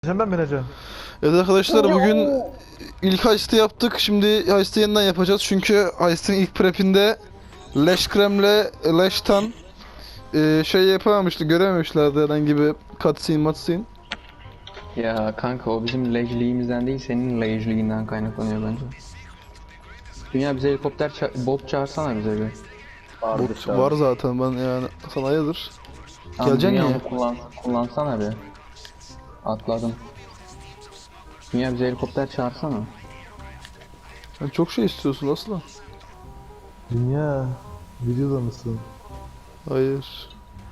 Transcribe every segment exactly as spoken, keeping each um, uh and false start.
Sen ben bineceğim. Evet arkadaşlar, bugün ilk heist'i yaptık. Şimdi heist'i yeniden yapacağız. Çünkü heist'in ilk prep'inde Leş Krem'le Leş'tan e, şey yapamamıştı, görememişlerdi herhangi bir cutscene matscene. Ya kanka o bizim lejliğimizden değil senin lejliğinden kaynaklanıyor bence. Dünya bize helikopter ça- bot çağırsana bize bir. Bot var zaten, ben yani sana hayırdır. Tamam, Geleceksin Dünya niye? onu kullan, kullansana bir. Atladım. Dünya bize helikopter çağırsana. Sen çok şey istiyorsun asla. Dünya, videoda mısın? Hayır.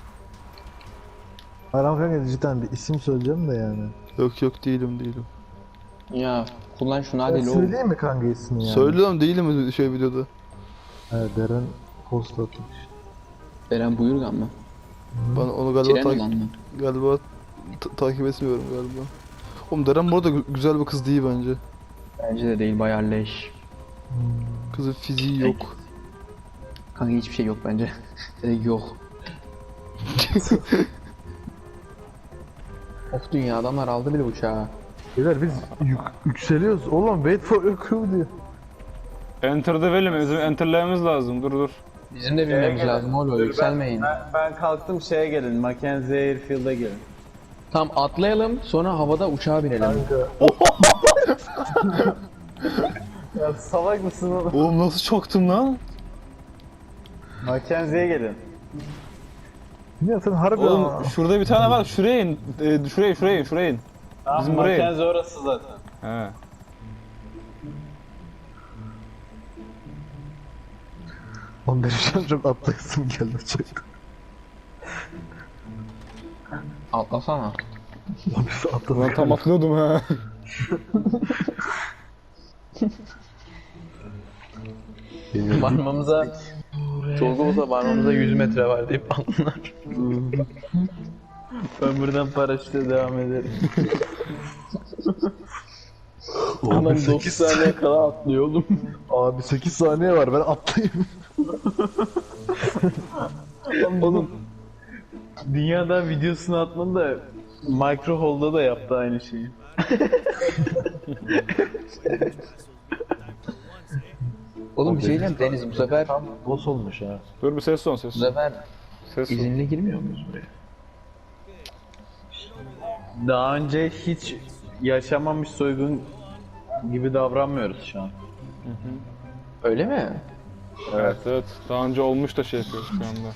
Aram kanka cidden bir isim söyleyeceğim de yani. Yok yok, değilim değilim. Ya kullan şunu Ben hadi lo. söyleyeyim mi kanka ismini yani? Söylüyorum, değilim şey videoda. Evet, Deren post atmış. Beren Buyurgan mı? Ben onu galiba Tren ta- olan mı? galiba ta- takip etmiyorum galiba. Oğlum Deren bu arada gü- güzel bir kız değil bence. Bence de değil, bayağı leş. Kızın fiziği yok. Kanka hiçbir şey yok bence. Direkt yok. Of, dünya adamlar aldı bile uçağı. Beyler biz yük yükseliyoruz. Oğlum wait for your crew diyor. Enter'da verelim, bizim enterlememiz lazım. Dur dur. Bizim de bilmemiz lazım oğlum, yükselmeyin. Ben, ben kalktım, şeye gelin, Mackenzie Airfield'a gelin. Tam atlayalım, sonra havada uçağa binelim. Kanka. Ya salak mısın oğlum? Oğlum nasıl çoktum lan? Mackenzie'ye gelin. Dünya sen harbi Oğlum ama. şurada bir tane var. Şuraya in. E, şuraya şuraya in. Şuraya in. Tamam, Bizim buraya. Mackenzie orası zaten. He. Oğlum benim şu an çok atlayasım geldi çok. Atlasana. Lan biz atladık. Ulan tam atlıyordum ha. Varmamıza, çok olsa varmamıza yüz metre var deyip anlar. Ben buradan paraşütle devam ederim. Oğlum Adam sekiz dokuz saniye kala atlıyor oğlum. Abi sekiz saniye var, ben atlayayım. Oğlum, dünyada videosunu atmadı da Microhol'da da yaptı aynı şeyi. Oğlum bir şey diyeceğim Deniz, bu sefer Tam boss olmuş ha. Dur bir ses son ses bu son. sefer Ses son. izinle girmiyor muyuz buraya? Daha önce hiç yaşamamış soygun gibi davranmıyoruz şu an. Öyle mi? Evet evet. Daha önce olmuş da şey yapıyoruz şu anda.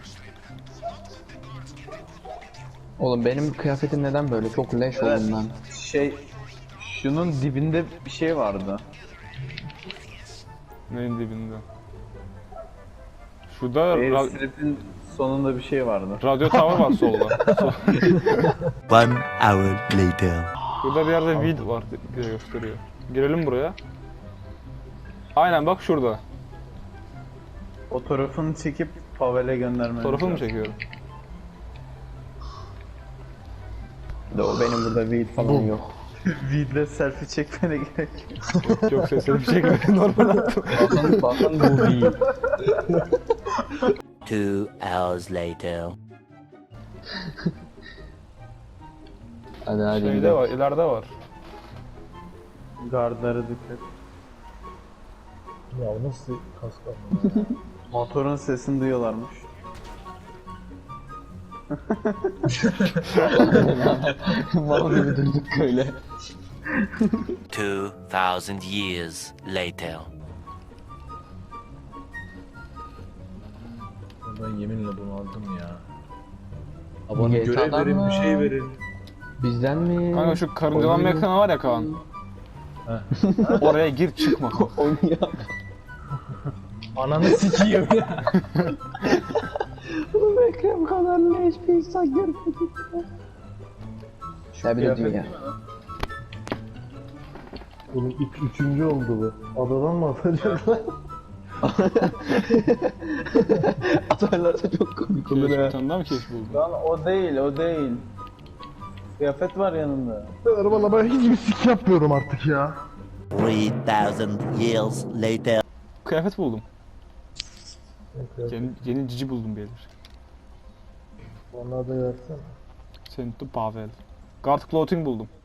Oğlum benim kıyafetim neden böyle? Çok leş Evet. oldum ben. Şey, şunun dibinde bir şey vardı. Neyin dibinde? Şurada ra- Airstrip'in sonunda bir şey vardı. radyo tower var solda. Sol- One hour later. Burada bir yerde vid var diye gösteriyor. Girelim buraya. Aynen bak şurada. Fotoğrafını çekip Pavel'e göndermemiz Fotoğrafını mı lazım. çekiyorum? De o benim burada weed falan yok. Vidle selfie çekmene gerek yok. Yok yok, sesini çekmedim. Normal attım. Bakın bakın bu weed. Two hours later. Hadi hadi Şeyde gidelim. var, ileride var. Gardlara dikkat. Ya nasıl kask alma? Motorun sesini duyuyorlarmış. Mal gibi durduk böyle. Two thousand years later. Ben yeminle bunu aldım ya. Bana görev verin, bir şey verin. Bizden mi? Kanka şu karıncalanma Oyun- ekranı var ya Kaan. Oraya gir çıkma. Onu ya. Ananı sikiyim. Bu Ekrem kadar leş bir insan görmedim. Ya bir de dünya. Oğlum ilk üçüncü oldu bu. Adadan mı atacaklar? Atarlarsa çok komik olur Bir ha. tane daha mı keş buldun? Lan o değil, o değil. Kıyafet var yanında. Ben valla ben hiçbir sik yapmıyorum artık ya. Three thousand years later. Kıyafet buldum. Yeni, yeni cici buldum beyler. Onları da versene. Sento Pavel. Guard clothing buldum.